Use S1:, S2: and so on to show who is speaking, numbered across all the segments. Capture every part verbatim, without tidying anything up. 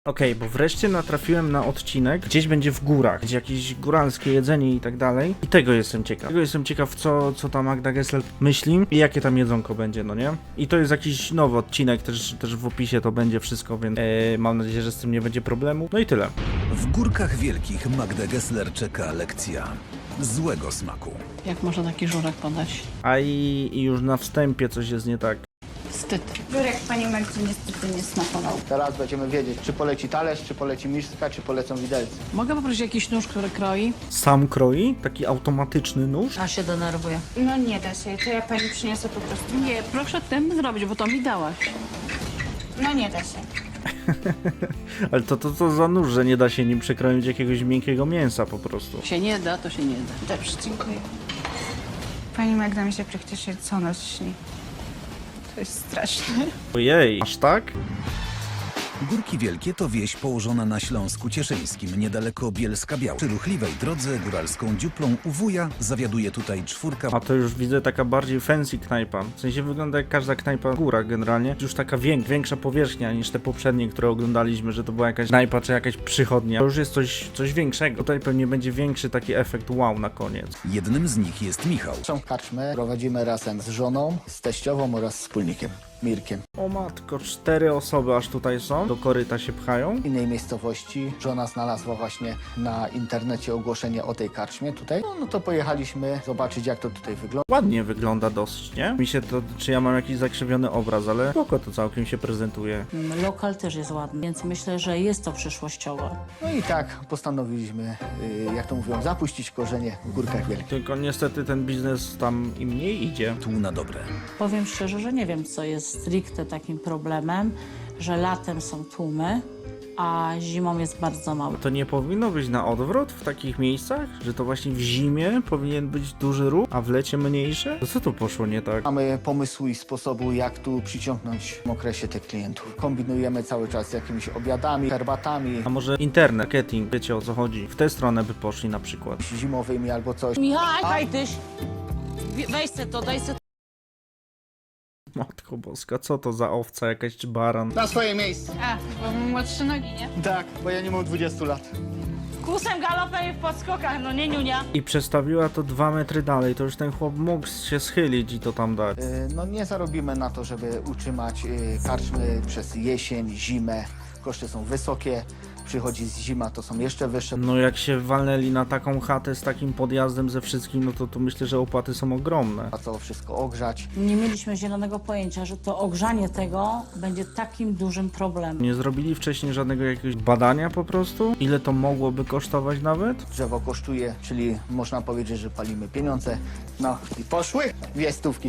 S1: Okej, okay, bo wreszcie natrafiłem na odcinek, gdzieś będzie w górach, gdzie jakieś góralskie jedzenie i tak dalej. I tego jestem ciekaw. Tego jestem ciekaw, co, co ta Magda Gessler myśli i jakie tam jedzonko będzie, no nie? I to jest jakiś nowy odcinek, też, też w opisie to będzie wszystko, więc ee, mam nadzieję, że z tym nie będzie problemu. No i tyle.
S2: W Górkach Wielkich Magdę Gessler czeka lekcja złego smaku.
S3: Jak można taki żurek podać?
S1: A i, i już na wstępie coś jest nie tak.
S3: Wstyd.
S4: Żurek pani Magdzie niestety nie smakował.
S5: Teraz będziemy wiedzieć, czy poleci talerz, czy poleci miska, czy polecą widelce.
S3: Mogę poprosić jakiś nóż, który kroi?
S1: Sam kroi, taki automatyczny nóż.
S3: A się denerwuję.
S4: No nie da się, to ja pani przyniosę po prostu.
S3: Nie, proszę tym zrobić, bo to mi dałaś.
S4: No nie da się.
S1: Ale to, to to za nóż, że nie da się nim przekroić jakiegoś miękkiego mięsa po prostu.
S3: Się nie da, to się nie da.
S4: Dobrze, dziękuję. Pani Magda mi się praktycznie co noc śni. To jest straszne.
S1: Ojej, aż tak?
S2: Górki Wielkie to wieś położona na Śląsku Cieszyńskim, niedaleko Bielska-Biała. Przy ruchliwej drodze góralską dziuplą u wuja zawiaduje tutaj czwórka.
S1: A to już widzę taka bardziej fancy knajpa. W sensie wygląda jak każda knajpa w górach generalnie. Już taka wiek, większa powierzchnia niż te poprzednie, które oglądaliśmy, że to była jakaś knajpa czy jakaś przychodnia. To już jest coś, coś większego. Tutaj pewnie będzie większy taki efekt wow na koniec.
S2: Jednym z nich jest Michał.
S5: Są karczmę, prowadzimy razem z żoną, z teściową oraz wspólnikiem, Mirkiem.
S1: O matko, cztery osoby aż tutaj są. Do koryta się pchają.
S5: W innej miejscowości żona znalazła właśnie na internecie ogłoszenie o tej karczmie tutaj. No, no to pojechaliśmy zobaczyć, jak to tutaj wygląda.
S1: Ładnie wygląda dosyć, nie? Mi się to, czy ja mam jakiś zakrzywiony obraz, ale spoko to całkiem się prezentuje.
S3: Lokal też jest ładny, więc myślę, że jest to przyszłościowe.
S5: No i tak postanowiliśmy, yy, jak to mówią, zapuścić korzenie w Górkach Wielkich.
S1: Tylko niestety ten biznes tam im mniej idzie.
S2: Tu na dobre.
S3: Powiem szczerze, że nie wiem, co jest stricte takim problemem, że latem są tłumy, a zimą jest bardzo mało.
S1: To nie powinno być na odwrót w takich miejscach? Że to właśnie w zimie powinien być duży ruch, a w lecie mniejszy? To co tu poszło nie tak?
S5: Mamy pomysłu i sposobu, jak tu przyciągnąć w okresie tych klientów. Kombinujemy cały czas z jakimiś obiadami, herbatami
S1: A może internet, marketing, wiecie o co chodzi? W tę stronę by poszli na przykład.
S5: zimowymi albo coś.
S3: Michał, hajtyś! Weź se to, daj se.
S1: Matko boska, co to za owca jakaś czy baran?
S5: Na swoje miejsce.
S4: A, bo mam młodsze nogi, nie?
S5: Tak, bo ja nie mam dwudziestu lat.
S3: Kusem, galopem i w podskokach, no nie niunia.
S1: I przestawiła to dwa metry dalej, to już ten chłop mógł się schylić i to tam dać.
S5: Yy, No nie zarobimy na to, żeby utrzymać yy, karczmy przez jesień, zimę. Koszty są wysokie, przychodzi z zima, to są jeszcze wyższe.
S1: No jak się walnęli na taką chatę z takim podjazdem ze wszystkim, no to, to myślę, że opłaty są ogromne.
S5: A co wszystko ogrzać.
S3: Nie mieliśmy zielonego pojęcia, że to ogrzanie tego będzie takim dużym problemem.
S1: Nie zrobili wcześniej żadnego jakiegoś badania po prostu? Ile to mogłoby kosztować nawet?
S5: Drzewo kosztuje, czyli można powiedzieć, że palimy pieniądze. No i poszły dwie stówki.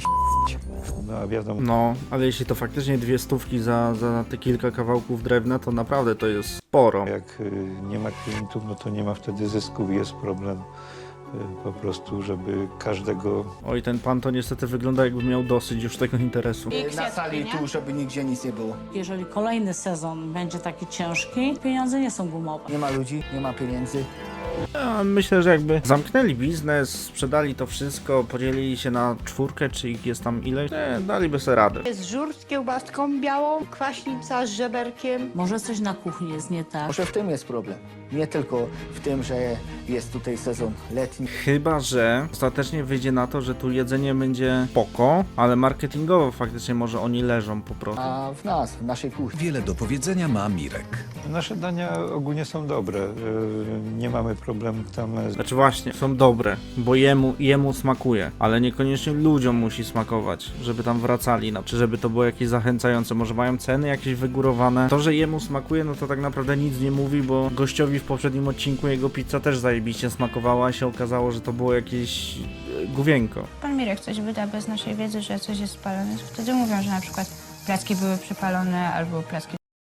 S6: No a wiadomo,
S1: No, ale jeśli to faktycznie dwie stówki za, za te kilka kawałków drewna, to naprawdę to jest sporo.
S6: jak y, nie ma klientów, no to nie ma wtedy zysków, jest problem y, po prostu, żeby każdego
S1: Oj, ten pan to niestety wygląda jakby miał dosyć już tego interesu.
S5: Yy, Na sali tu, żeby nigdzie nic nie było.
S3: Jeżeli kolejny sezon będzie taki ciężki, pieniądze nie są gumowe.
S5: Nie ma ludzi, nie ma pieniędzy.
S1: Ja myślę, że jakby zamknęli biznes, sprzedali to wszystko, podzielili się na czwórkę, czy ich jest tam ileś, nie, daliby sobie radę.
S7: Jest żur z kiełbaską białą, kwaśnica z żeberkiem.
S3: Może coś na kuchni jest nie tak.
S5: Może w tym jest problem. Nie tylko w tym, że jest tutaj sezon letni.
S1: Chyba że ostatecznie wyjdzie na to, że tu jedzenie będzie spoko, ale marketingowo faktycznie może oni leżą po prostu.
S5: A w nas, w naszej kuchni.
S2: Wiele do powiedzenia ma Mirek.
S6: nasze dania ogólnie są dobre. Y, nie mamy problemu tam z
S1: Znaczy właśnie, są dobre, bo jemu, jemu smakuje, ale niekoniecznie ludziom musi smakować, żeby tam wracali, no, czy żeby to było jakieś zachęcające, może mają ceny jakieś wygórowane. To, że jemu smakuje, no to tak naprawdę nic nie mówi, bo gościowi w poprzednim odcinku jego pizza też zajebiście smakowała, a się okazało, że to było jakieś e, główienko.
S4: Pan Mirek coś wyda bez naszej wiedzy, że coś jest spalone. Wtedy mówią, że na przykład placki były przypalone albo placki.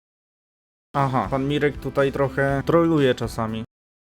S1: Aha, pan Mirek tutaj trochę troluje czasami.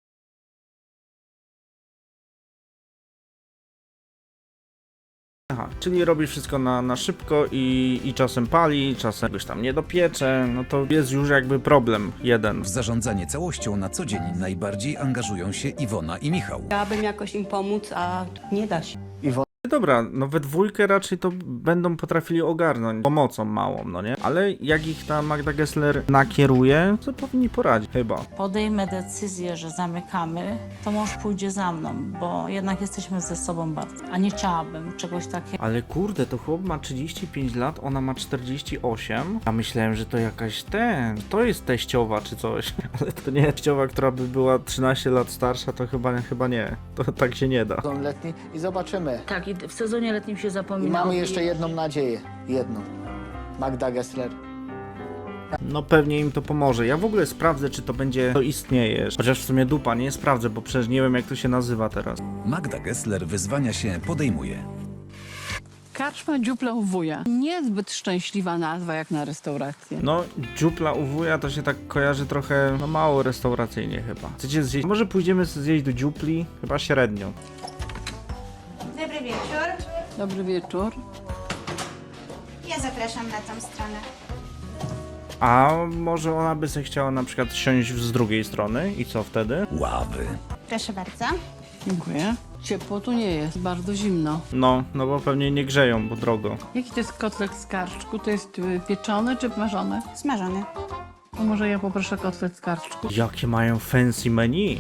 S1: Aha, czyli robi wszystko na, na szybko i, i czasem pali, czasem czegoś tam nie dopiecze, no to jest już jakby problem jeden.
S2: W zarządzanie całością na co dzień najbardziej angażują się Iwona i Michał.
S7: Chciałabym jakoś im pomóc, a nie da się.
S5: Iwona
S1: dobra, no we dwójkę raczej to będą potrafili ogarnąć pomocą małą, no nie? Ale jak ich ta Magda Gessler nakieruje, to powinni poradzić, chyba.
S3: Podejmę decyzję, że zamykamy, to mąż pójdzie za mną, bo jednak jesteśmy ze sobą bardzo. A nie chciałabym czegoś takiego.
S1: Ale kurde, to chłop ma trzydzieści pięć lat, ona ma czterdzieści osiem, a myślałem, że to jakaś ten, to jest teściowa czy coś, ale to nie teściowa, która by była trzynaście lat starsza, to chyba, chyba nie, to tak się nie da.
S5: Sezon letni i zobaczymy.
S3: Tak, i w sezonie letnim się
S5: I
S3: zapomina.
S5: mamy jeszcze jedną nadzieję. Jedną. Magda Gessler.
S1: No pewnie im to pomoże. Ja w ogóle sprawdzę, czy to będzie, to istnieje. Chociaż w sumie dupa, nie sprawdzę, bo przecież nie wiem, jak to się nazywa teraz.
S2: Magda Gessler wyzwania się podejmuje.
S8: Karczma dziupla u wuja. Niezbyt szczęśliwa nazwa jak na restaurację.
S1: No, dziupla u wuja to się tak kojarzy trochę, no mało restauracyjnie chyba. Chcecie zjeść? Może pójdziemy zjeść do dziupli? Chyba średnio.
S4: Dobry wieczór.
S8: Dobry wieczór.
S4: Ja zapraszam na tą stronę.
S1: A może ona by sobie chciała na przykład siąść z drugiej strony i co wtedy?
S2: Ławy.
S4: Proszę bardzo.
S8: Dziękuję. Ciepło tu nie jest, bardzo zimno.
S1: No, no bo pewnie nie grzeją, bo drogo.
S8: Jaki to jest kotlet z karczku? To jest y, pieczony czy marzony?
S4: Smażony.
S8: To może ja poproszę kotlet z karczku.
S1: Jakie mają fancy menu.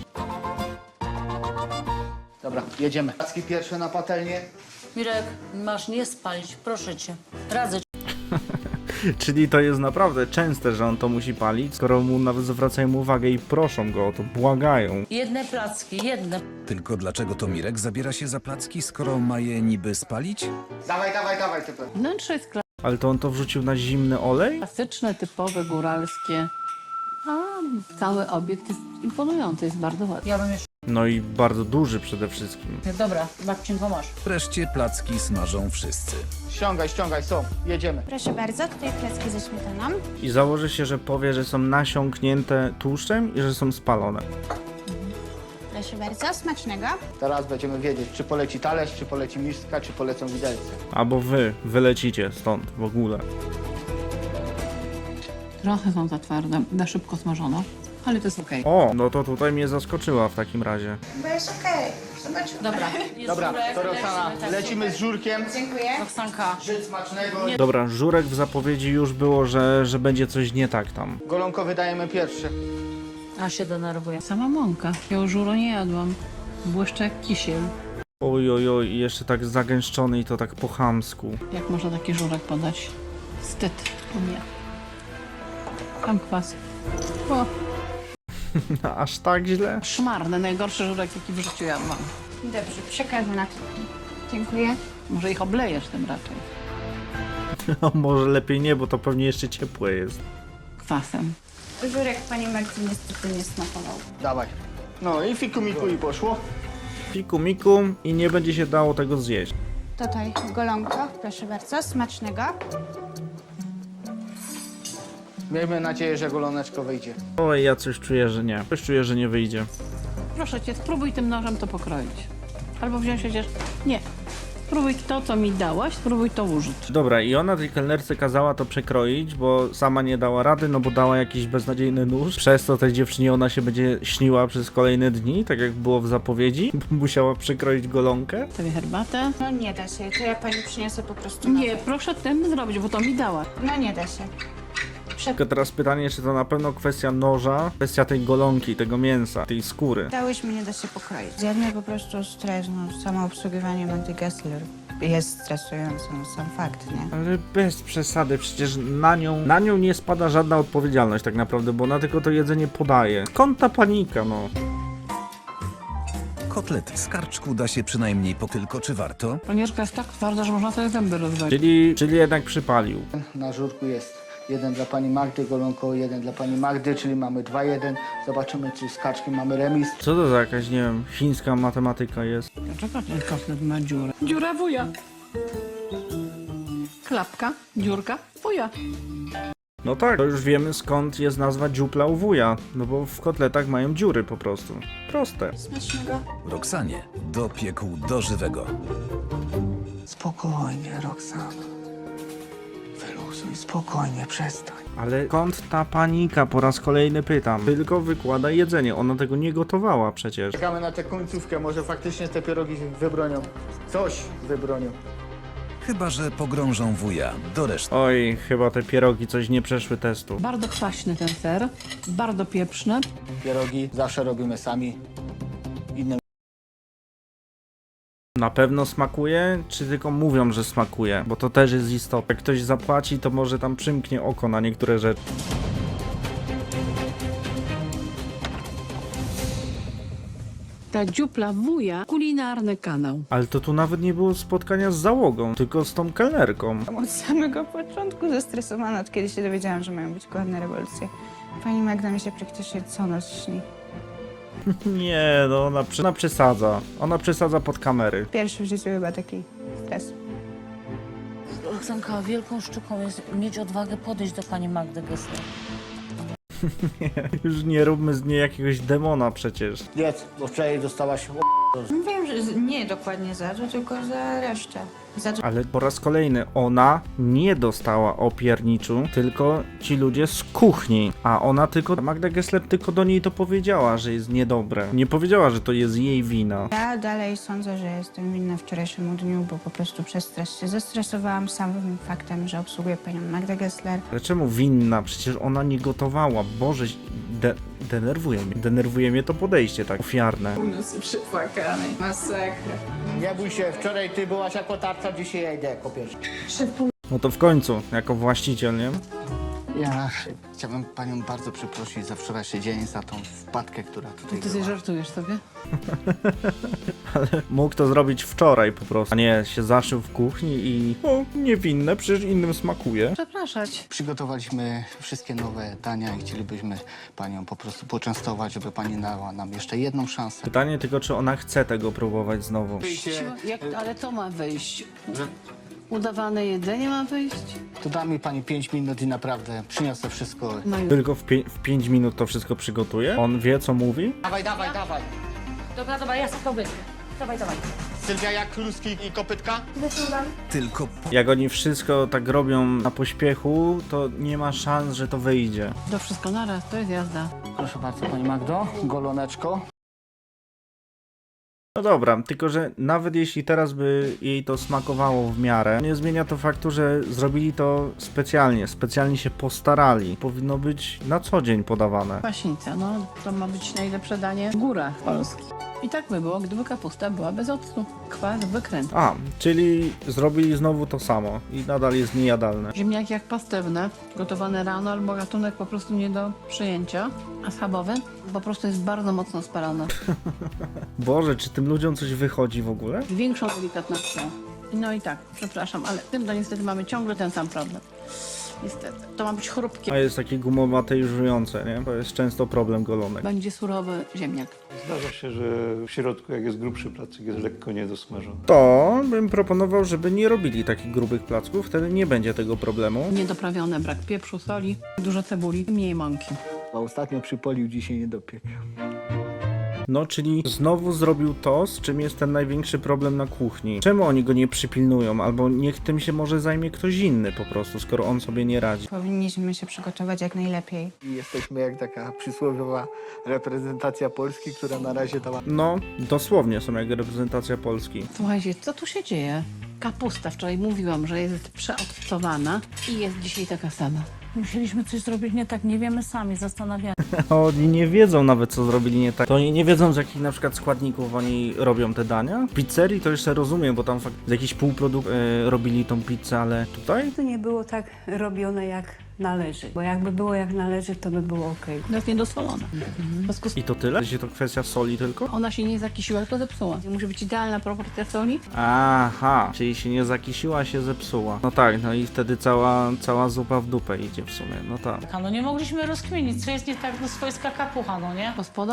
S5: Dobra, jedziemy. Placki pierwsze na patelnię.
S3: Mirek, masz nie spalić, proszę cię. Radzę ci.
S1: Czyli to jest naprawdę częste, że on to musi palić, skoro mu nawet zwracają uwagę i proszą go o to, błagają.
S3: Jedne placki, jedne.
S2: Tylko dlaczego to Mirek zabiera się za placki, skoro ma je niby spalić?
S5: Dawaj, dawaj, dawaj, typy.
S8: Wnętrze jest
S1: Ale to on to wrzucił na zimny olej?
S8: klasyczne, typowe, góralskie. A cały obiekt jest imponujący, jest bardzo ładny.
S3: Ja bym jeszcze...
S1: No i bardzo duży przede wszystkim.
S3: Dobra, babcinko masz.
S2: Wreszcie placki smażą wszyscy.
S5: Ściągaj, ściągaj, są. Jedziemy.
S4: Proszę bardzo, tutaj placki ze śmietaną.
S1: I założę się, że powie, że są nasiąknięte tłuszczem i że są spalone.
S4: Proszę bardzo, smacznego.
S5: Teraz będziemy wiedzieć, czy poleci talerz, czy poleci miska, czy polecą widelce.
S1: Albo wy wylecicie stąd w ogóle.
S8: Trochę są za twarde, za szybko smażono, ale to jest okej.
S1: O, no to tutaj mnie zaskoczyła w takim razie.
S4: Bo jest okej. Zobaczmy.
S3: Dobra, jest
S5: Dobra,
S3: żurek,
S5: to Roxana,
S3: lecimy, tak.
S5: lecimy z żurkiem.
S4: Dziękuję.
S3: Roxanka.
S5: Żyd smacznego.
S1: Dobra, żurek w zapowiedzi już było, że, że będzie coś nie tak tam.
S5: Golonko wydajemy pierwszy.
S3: A się denerwuję.
S8: Sama mąka. Ja już żuro nie jadłam. Błyszcze jak kisiel.
S1: Oj, oj, oj, i jeszcze tak zagęszczony i to tak po chamsku.
S8: Jak można taki żurek podać? Wstyd. To nie. Tam kwas. O,
S1: Aż tak źle?
S8: szmarny, najgorszy żurek, jaki w życiu jadłam.
S4: Dobrze, przekażę na to. Dziękuję.
S8: Może ich oblejesz tym raczej.
S1: No, może lepiej nie, bo to pewnie jeszcze ciepłe jest.
S8: Kwasem.
S4: Żurek pani Marty niestety nie smakował.
S5: Dawaj. No i fiku miku i poszło.
S1: Fiku miku i nie będzie się dało tego zjeść.
S4: Tutaj golonko, proszę bardzo, smacznego.
S5: Miejmy nadzieję, że goloneczko wyjdzie.
S1: Oj, ja coś czuję, że nie. Coś czuję, że nie wyjdzie.
S8: Proszę cię, spróbuj tym nożem to pokroić. Albo wziąć chociaż... Nie. Spróbuj to, co mi dałaś, spróbuj to użyć.
S1: Dobra, i ona tej kelnerce kazała to przekroić, bo sama nie dała rady, no bo dała jakiś beznadziejny nóż. Przez to tej dziewczynie ona się będzie śniła przez kolejne dni, tak jak było w zapowiedzi. Musiała przekroić golonkę.
S8: Sobie herbatę.
S4: No nie da się, to ja pani przyniosę po prostu
S8: Nie,
S4: nowe.
S8: proszę tym zrobić, bo to mi dała.
S4: No nie da się.
S1: Tylko teraz pytanie, czy to na pewno kwestia noża, kwestia tej golonki, tego mięsa, tej skóry.
S4: Dałyśmy, nie da się pokroić. Zjadmy po prostu stres, no samo obsługiwanie Magdy Gessler jest stresujące, no sam fakt, nie?
S1: Ale bez przesady, przecież na nią, na nią nie spada żadna odpowiedzialność tak naprawdę, bo ona tylko to jedzenie podaje. Skąd ta panika, no?
S2: Kotlet z karczku da się przynajmniej po tylko, czy warto?
S8: Panierka jest tak twarda, że można sobie zęby rozwalić.
S1: Czyli, czyli jednak przypalił.
S5: Na żurku jest jeden dla pani Magdy, golonko jeden dla pani Magdy, czyli mamy dwa jeden. Zobaczymy, czy z kaczkiem mamy remis.
S1: Co to za jakaś, nie wiem, chińska matematyka jest?
S8: Dlaczego ten kotlet ma dziurę? Dziura wuja. Klapka, dziurka, wuja.
S1: No tak, to już wiemy skąd jest nazwa dziupla u wuja, no bo w kotletach mają dziury po prostu. Proste.
S4: Smacznego.
S2: Roxanie dopiekł do żywego.
S5: Spokojnie, Roxana. Wyluzuj. Spokojnie, spokojnie, przestań.
S1: Ale skąd ta panika? Po raz kolejny pytam. Tylko wykłada jedzenie, ona tego nie gotowała przecież.
S5: Czekamy na tę końcówkę, może faktycznie te pierogi wybronią. Coś wybronią.
S2: Chyba że pogrążą wuja do reszty.
S1: Oj, chyba te pierogi coś nie przeszły testu.
S8: Bardzo kwaśny ten ser, bardzo pieprzny.
S5: Pierogi zawsze robimy sami. Innym
S1: Na pewno smakuje, czy tylko mówią, że smakuje? Bo to też jest istotne. Jak ktoś zapłaci, to może tam przymknie oko na niektóre rzeczy.
S8: Ta dziupla wuja, kulinarny kanał.
S1: Ale to tu nawet nie było spotkania z załogą, tylko z tą kelnerką.
S4: Od samego początku zestresowana, od kiedy się dowiedziałam, że mają być głodne rewolucje. Pani Magda mi się praktycznie co noc śni.
S1: Nie, no ona, przy, ona przesadza. Ona przesadza pod kamery.
S4: Pierwszy w życiu chyba taki stres.
S3: Roxanka, wielką sztuką jest mieć odwagę podejść do pani Magdy Gessler.
S1: Już nie róbmy z niej jakiegoś demona przecież.
S5: jedz, bo wczoraj dostałaś
S4: Wiem, że z- nie dokładnie za to, tylko za resztę. Za to,
S1: Ale po raz kolejny ona nie dostała opierniczu, tylko ci ludzie z kuchni. A ona tylko, Magda Gessler tylko do niej to powiedziała, że jest niedobre. Nie powiedziała, że to jest jej wina.
S4: ja dalej sądzę, że jestem winna wczorajszemu dniu, bo po prostu przez stres się zestresowałam samym faktem, że obsługuję panią Magdę Gessler.
S1: Ale czemu winna? Przecież ona nie gotowała. Boże, de denerwuje mnie. Denerwuje mnie to podejście tak ofiarne.
S4: Unosy przypłakany. Masakra.
S5: Nie bój się, wczoraj ty byłaś jako tarcza, dzisiaj ja idę jako pierwszy.
S1: No to w końcu, jako właściciel, nie?
S5: Ja chciałbym panią bardzo przeprosić za wczorajszy dzień, za tą wpadkę, która tutaj
S8: Ty
S5: była.
S8: żartujesz sobie?
S1: Mógł to zrobić wczoraj po prostu, a nie się zaszył w kuchni i o, niewinne, przecież innym smakuje.
S8: Przepraszać.
S5: Przygotowaliśmy wszystkie nowe dania i chcielibyśmy panią po prostu poczęstować, żeby pani dała nam jeszcze jedną szansę.
S1: Pytanie tylko, czy ona chce tego próbować znowu.
S8: Jak, ale to ma wyjść? Udawane jedzenie ma wyjść?
S5: To da mi pani pięć minut i naprawdę przyniosę wszystko.
S8: No już.
S1: Tylko w, pie w pięć minut to wszystko przygotuje? On wie, co mówi?
S5: Dawaj, dawaj, dawaj.
S3: Dobra, dobra, ja sobie to wyjdę. Dawaj, dawaj.
S5: Sylwia, jak kluski i kopytka?
S2: Tylko
S1: Jak oni wszystko tak robią na pośpiechu, to nie ma szans, że to wyjdzie.
S8: To wszystko naraz, to jest jazda.
S5: Proszę bardzo, pani Magdo, goloneczko.
S1: No dobra, tylko że nawet jeśli teraz by jej to smakowało w miarę, nie zmienia to faktu, że zrobili to specjalnie, specjalnie się postarali. Powinno być na co dzień podawane.
S8: Kwaśnica, no to ma być najlepsze danie w górach Polski. I tak by było, gdyby kapusta była bez octu. Kwas, wykręt.
S1: A, czyli zrobili znowu to samo i nadal jest niejadalne.
S8: Ziemniaki jak pastewne, gotowane rano albo gatunek po prostu nie do przyjęcia. A schabowy po prostu jest bardzo mocno spalony.
S1: Boże, czy tym ludziom coś wychodzi w ogóle?
S8: Z większą delikatnością. No i tak, przepraszam, ale z tym to niestety mamy ciągle ten sam problem. Niestety. To ma być chrupkie.
S1: A jest takie gumowate i żujące, nie? To jest często problem golonek.
S8: Będzie surowy ziemniak.
S6: Zdarza się, że w środku, jak jest grubszy placek, jest lekko niedosmażony.
S1: To bym proponował, żeby nie robili takich grubych placków, wtedy nie będzie tego problemu.
S8: Niedoprawione, brak pieprzu, soli, dużo cebuli, mniej mąki.
S5: A ostatnio przypolił, dzisiaj nie dopiekł.
S1: No, czyli znowu zrobił to, z czym jest ten największy problem na kuchni. Czemu oni go nie przypilnują? Albo niech tym się może zajmie ktoś inny po prostu, skoro on sobie nie radzi.
S4: Powinniśmy się przygotować jak najlepiej.
S5: I jesteśmy jak taka przysłowiowa reprezentacja Polski, która na razie tam...
S1: No, dosłownie są jak reprezentacja Polski.
S8: Słuchajcie, co tu się dzieje? Kapusta, wczoraj mówiłam, że jest przeodcowana i jest dzisiaj taka sama.
S3: Musieliśmy coś zrobić nie tak, nie wiemy sami, zastanawiamy.
S1: Oni nie wiedzą nawet, co zrobili nie tak. To oni nie wiedzą, z jakich na przykład składników oni robią te dania. W pizzerii to jeszcze rozumiem, bo tam fakt z jakiś półprodukt e, robili tą pizzę, ale tutaj?
S9: To nie było tak robione jak należy, bo jakby było jak należy, to by było okej.
S8: To jest niedosolona. W związku z
S1: I to tyle? Czy to kwestia soli tylko?
S8: ona się nie zakisiła, tylko zepsuła. Musi być idealna proporcja soli.
S1: Aha, czyli się nie zakisiła, się zepsuła. No tak, no i wtedy cała, cała zupa w dupę idzie w sumie, no tak.
S3: No nie mogliśmy rozkminić, co jest nie tak, no swojska kapucha, no nie?
S8: Gospoda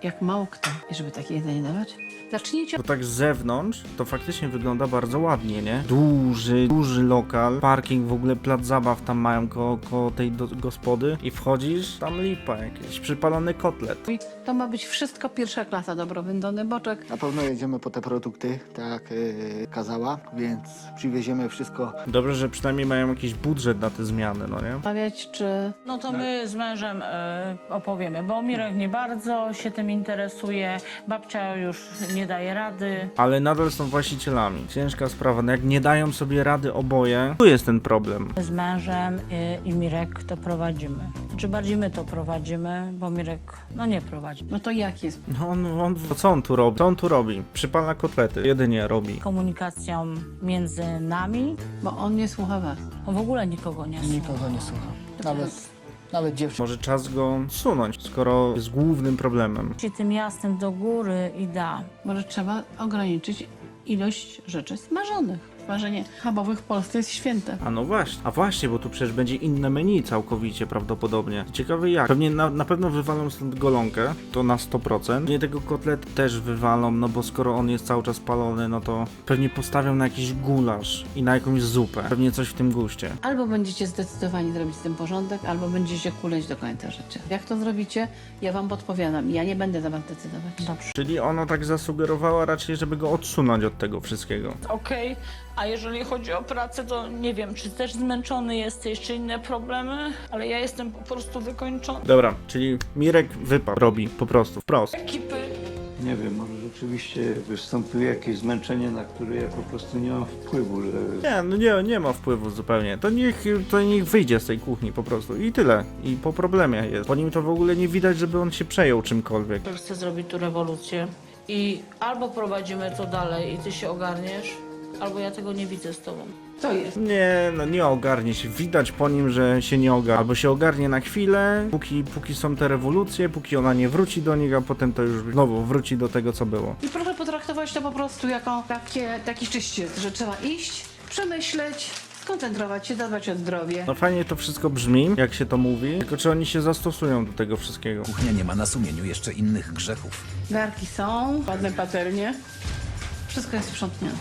S8: jak mało kto. I żeby takie jedzenie dawać, zacznijcie
S1: Bo tak z zewnątrz to faktycznie wygląda bardzo ładnie, nie? Duży, duży lokal, parking, w ogóle plac zabaw tam mają koło, koło tej do, gospody i wchodzisz, tam lipa, jakiś przypalony kotlet.
S8: I to ma być wszystko pierwsza klasa, dobro wędzony boczek.
S5: Na pewno jedziemy po te produkty, tak jak yy, kazała, więc przywieziemy wszystko.
S1: Dobrze, że przynajmniej mają jakiś budżet na te zmiany, no nie?
S8: Mawiać, czy
S3: No to my z mężem e, opowiemy, bo Mirek nie bardzo się tym interesuje, babcia już nie daje rady.
S1: Ale nadal są właścicielami. Ciężka sprawa, no jak nie dają sobie rady oboje, tu jest ten problem.
S3: Z mężem i, i Mirek to prowadzimy. Czy bardziej my to prowadzimy, bo Mirek no nie prowadzi.
S8: no to jak jest?
S1: No on, on, co on tu robi? Co on tu robi? Przypala kotlety, jedynie robi.
S3: Komunikacją między nami,
S8: Bo on nie słucha was.
S3: on w ogóle nikogo nie słucha.
S5: Nikogo nie słucha. Nawet, nawet dziewczyn.
S1: Może czas go sunąć, skoro jest głównym problemem.
S3: Ci tym jasnym do góry i da.
S8: Może trzeba ograniczyć ilość rzeczy smażonych. Smażenie schabowych w Polsce jest święte.
S1: A no właśnie, a właśnie, bo tu przecież będzie inne menu całkowicie prawdopodobnie. Ciekawe jak. Pewnie na, na pewno wywalą stąd golonkę, to na sto procent. Nie tego kotlet też wywalą, no bo skoro on jest cały czas palony, no to pewnie postawią na jakiś gulasz i na jakąś zupę. Pewnie coś w tym guście.
S8: Albo będziecie zdecydowani zrobić z tym porządek, albo będziecie kuleć do końca życia. Jak to zrobicie, ja wam podpowiadam. Ja nie będę za was decydować.
S3: Dobrze.
S1: Czyli ona tak zasugerowała raczej, żeby go odsunąć od tego wszystkiego.
S3: Okej, a jeżeli chodzi o pracę, to nie wiem, czy też zmęczony jesteś, czy inne problemy, ale ja jestem po prostu wykończony.
S1: Dobra, czyli Mirek wypad robi po prostu, wprost.
S3: Ekipy.
S6: Nie wiem, może rzeczywiście występuje jakieś zmęczenie, na które ja po prostu nie mam wpływu, że
S1: Nie, no nie, nie ma wpływu zupełnie. To niech, to niech wyjdzie z tej kuchni po prostu i tyle. I po problemie jest. Po nim to w ogóle nie widać, żeby on się przejął czymkolwiek.
S3: Chcę zrobić tu rewolucję i albo prowadzimy to dalej i ty się ogarniesz, albo ja tego nie widzę z tobą.
S8: To jest.
S1: Nie, no nie ogarnie się. Widać po nim, że się nie ogarnie. Albo się ogarnie na chwilę, póki, póki są te rewolucje, póki ona nie wróci do nich, a potem to już znowu wróci do tego, co było.
S8: I proszę potraktować to po prostu jako takie, taki czyściec, że trzeba iść, przemyśleć, skoncentrować się, zadbać o zdrowie.
S1: No fajnie to wszystko brzmi, jak się to mówi, tylko czy oni się zastosują do tego wszystkiego?
S2: Kuchnia nie ma na sumieniu jeszcze innych grzechów.
S8: Garki są, ładne patelnie. Wszystko jest sprzątnięte.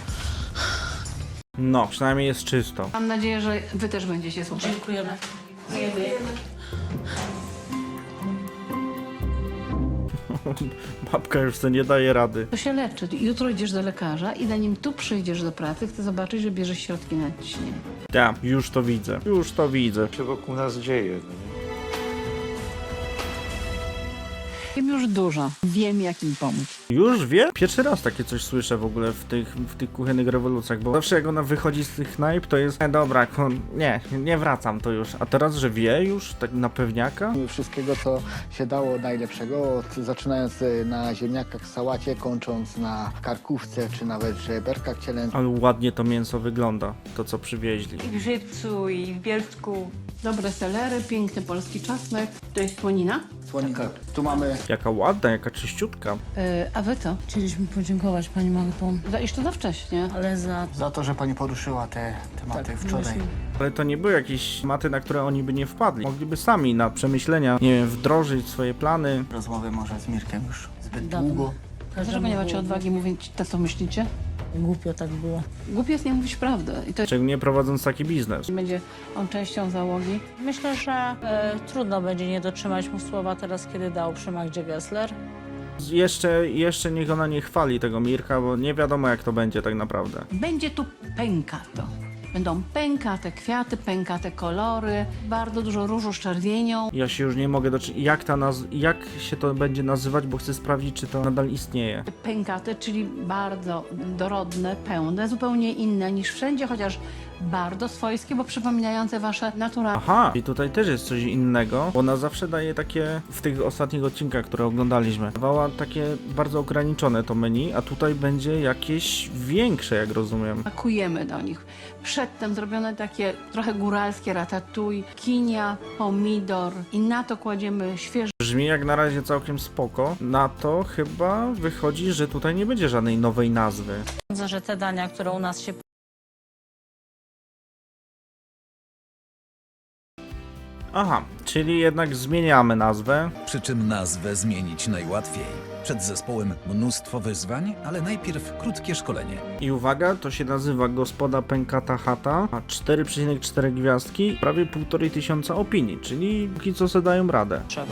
S1: No, przynajmniej jest czysto.
S8: Mam nadzieję, że wy też będziecie słuchać.
S3: Dziękujemy.
S1: Babka już sobie nie daje rady.
S8: To się leczy. Jutro idziesz do lekarza i zanim tu przyjdziesz do pracy, chcę zobaczyć, że bierzesz środki na ciśnienie.
S1: Ja, już to widzę. Już to widzę.
S6: się wokół nas dzieje. No nie?
S8: Wiem już dużo. Wiem, jak im pomóc.
S1: Już wie? Pierwszy raz takie coś słyszę w ogóle w tych, w tych kuchennych rewolucjach, bo zawsze jak ona wychodzi z tych knajp, to jest e, dobra, kon, nie, nie wracam to już. A teraz, że wie już, tak na pewniaka?
S5: Wszystkiego, co się dało najlepszego, od, zaczynając y, na ziemniakach, sałacie, kończąc na karkówce, czy nawet żeberkach cielęcych.
S1: Ale ładnie to mięso wygląda, to co przywieźli.
S9: I w Żywcu, i w Bielsku.
S8: Dobre selery, piękny polski czosnek. To jest słonina.
S5: Słonika. Tu mamy
S1: Jaka ładna, jaka czyściutka.
S8: Yy, a wy co?
S3: Chcieliśmy podziękować pani Magdo,
S8: Za iż to za wcześnie.
S3: ale za
S5: za to, że pani poruszyła te tematy wczoraj.
S1: Ale to nie były jakieś maty, na które oni by nie wpadli. Mogliby sami na przemyślenia, nie wiem, wdrożyć swoje plany.
S5: Rozmowy może z Mirkiem już zbyt
S3: Dawno.
S5: długo.
S8: Dlaczego nie macie odwagi mówić to, co myślicie?
S3: Głupio tak było.
S8: Głupie jest nie mówić prawdy. I to
S1: Szczególnie prowadząc taki biznes.
S8: będzie on częścią załogi.
S3: Myślę, że e, trudno będzie nie dotrzymać mu słowa teraz, kiedy dał przy Magdzie Gessler.
S1: Jeszcze, jeszcze niech ona nie chwali tego Mirka, bo nie wiadomo jak to będzie tak naprawdę.
S8: Będzie tu pękato. Będą pękate kwiaty, pękate kolory, bardzo dużo różu z czerwienią.
S1: Ja się już nie mogę doczytać, jak, ta naz- jak się to będzie nazywać, bo chcę sprawdzić, czy to nadal istnieje.
S8: Pękate, czyli bardzo dorodne, pełne, zupełnie inne niż wszędzie, chociaż bardzo swojskie, bo przypominające wasze naturalne.
S1: Aha, i tutaj też jest coś innego, bo ona zawsze daje takie, w tych ostatnich odcinkach, które oglądaliśmy, dawała takie bardzo ograniczone to menu, a tutaj będzie jakieś większe, jak rozumiem.
S8: Pakujemy do nich. Przedtem zrobione takie trochę góralskie ratatouille, kinia, pomidor i na to kładziemy świeże
S1: Brzmi jak na razie całkiem spoko, na to chyba wychodzi, że tutaj nie będzie żadnej nowej nazwy.
S3: Sądzę, że te dania, które u nas się
S1: Aha, czyli jednak zmieniamy nazwę.
S2: Przy czym nazwę zmienić najłatwiej. Przed zespołem mnóstwo wyzwań, ale najpierw krótkie szkolenie.
S1: I uwaga, to się nazywa Gospoda Pękata Chata, a cztery przecinek cztery gwiazdki, prawie półtorej tysiąca opinii, czyli póki co se dają radę.
S3: Trzeba.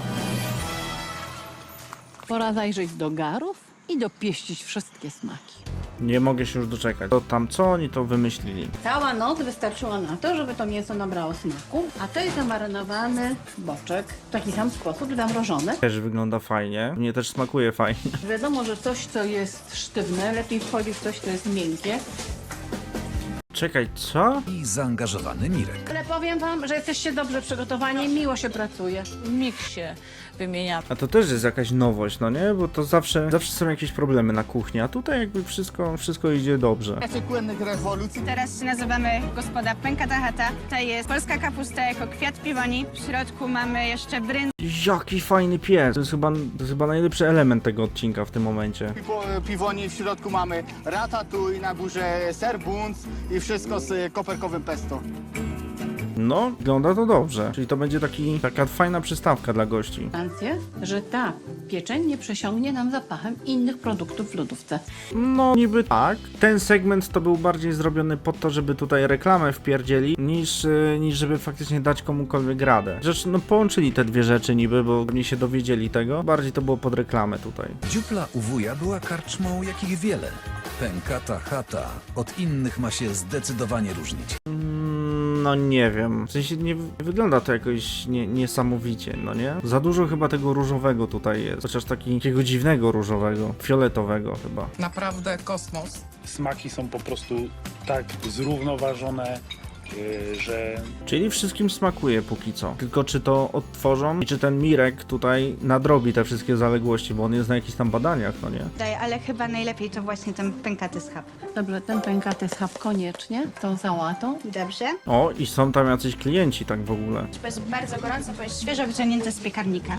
S8: Pora zajrzeć do garów i dopieścić wszystkie smaki.
S1: Nie mogę się już doczekać. To tam co oni to wymyślili?
S8: Cała noc wystarczyła na to, żeby to mięso nabrało smaku, a to jest zamarynowany boczek w taki sam sposób zamrożony.
S1: Też wygląda fajnie, mnie też smakuje fajnie.
S8: Wiadomo, że coś, co jest sztywne, lepiej wchodzi w coś, co jest miękkie.
S1: Czekaj, co?
S2: I zaangażowany Mirek.
S8: Ale powiem wam, że jesteście dobrze przygotowani, miło się pracuje.
S3: Mik się wymienia.
S1: A to też jest jakaś nowość, no nie? Bo to zawsze, zawsze są jakieś problemy na kuchni, a tutaj jakby wszystko, wszystko idzie dobrze.
S5: Płynnych rewolucji.
S10: Teraz się nazywamy Gospoda Pękata Chata. Tutaj jest polska kapusta jako kwiat piwoni. W środku mamy jeszcze bryndzę.
S1: Jaki fajny pies! To jest chyba, to jest chyba najlepszy element tego odcinka w tym momencie.
S5: Po piwoni w środku mamy ratatouille, na górze ser buns i wszystko z koperkowym pesto.
S1: No, wygląda to dobrze. Czyli to będzie taki, taka fajna przystawka dla gości.
S8: Gwarancję, że ta pieczeń nie przesiągnie nam zapachem innych produktów w lodówce.
S1: No, niby tak. Ten segment to był bardziej zrobiony po to, żeby tutaj reklamę wpierdzieli, niż, yy, niż żeby faktycznie dać komukolwiek radę. Rzecz, no połączyli te dwie rzeczy niby, bo nie się dowiedzieli tego. Bardziej to było pod reklamę tutaj.
S2: Dziupla u wuja była karczmą, jakich wiele. Pękata Chata od innych ma się zdecydowanie różnić.
S1: No nie wiem, w sensie nie wygląda to jakoś nie, niesamowicie, no nie? Za dużo chyba tego różowego tutaj jest, chociaż taki, takiego dziwnego różowego, fioletowego chyba.
S11: Naprawdę kosmos.
S12: Smaki są po prostu tak zrównoważone, yy, że
S1: Czyli wszystkim smakuje póki co, tylko czy to odtworzą i czy ten Mirek tutaj nadrobi te wszystkie zaległości, bo on jest na jakichś tam badaniach, no nie?
S10: Daje, ale chyba najlepiej to właśnie ten pękaty schab.
S8: Dobrze, ten pękaty schab koniecznie, tą sałatą.
S10: Dobrze.
S1: O, i są tam jacyś klienci tak w ogóle.
S10: To jest bardzo gorąco, bo jest świeżo wyciągnięte z piekarnika.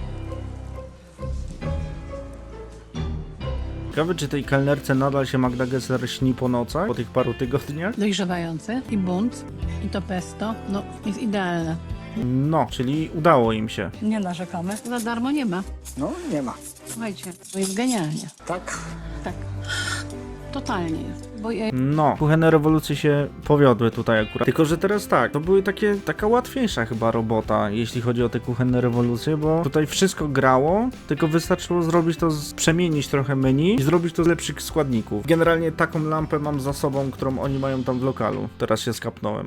S1: Ciekawe, czy tej kelnerce nadal się Magda Gessler śni po nocach, po tych paru tygodniach?
S8: Dojrzewający i bunt, i to pesto, no jest idealne.
S1: No, czyli udało im się.
S3: Nie narzekamy.
S8: Za darmo nie ma.
S5: No, nie ma.
S8: Słuchajcie, to jest genialnie.
S5: Tak?
S8: Tak. Totalnie jest. Bo ja
S1: No, kuchenne rewolucje się powiodły tutaj akurat. Tylko, że teraz tak, to były takie, taka łatwiejsza chyba robota, jeśli chodzi o te kuchenne rewolucje, bo tutaj wszystko grało, tylko wystarczyło zrobić to, z, przemienić trochę menu i zrobić to z lepszych składników. Generalnie taką lampę mam za sobą, którą oni mają tam w lokalu. Teraz się skapnąłem.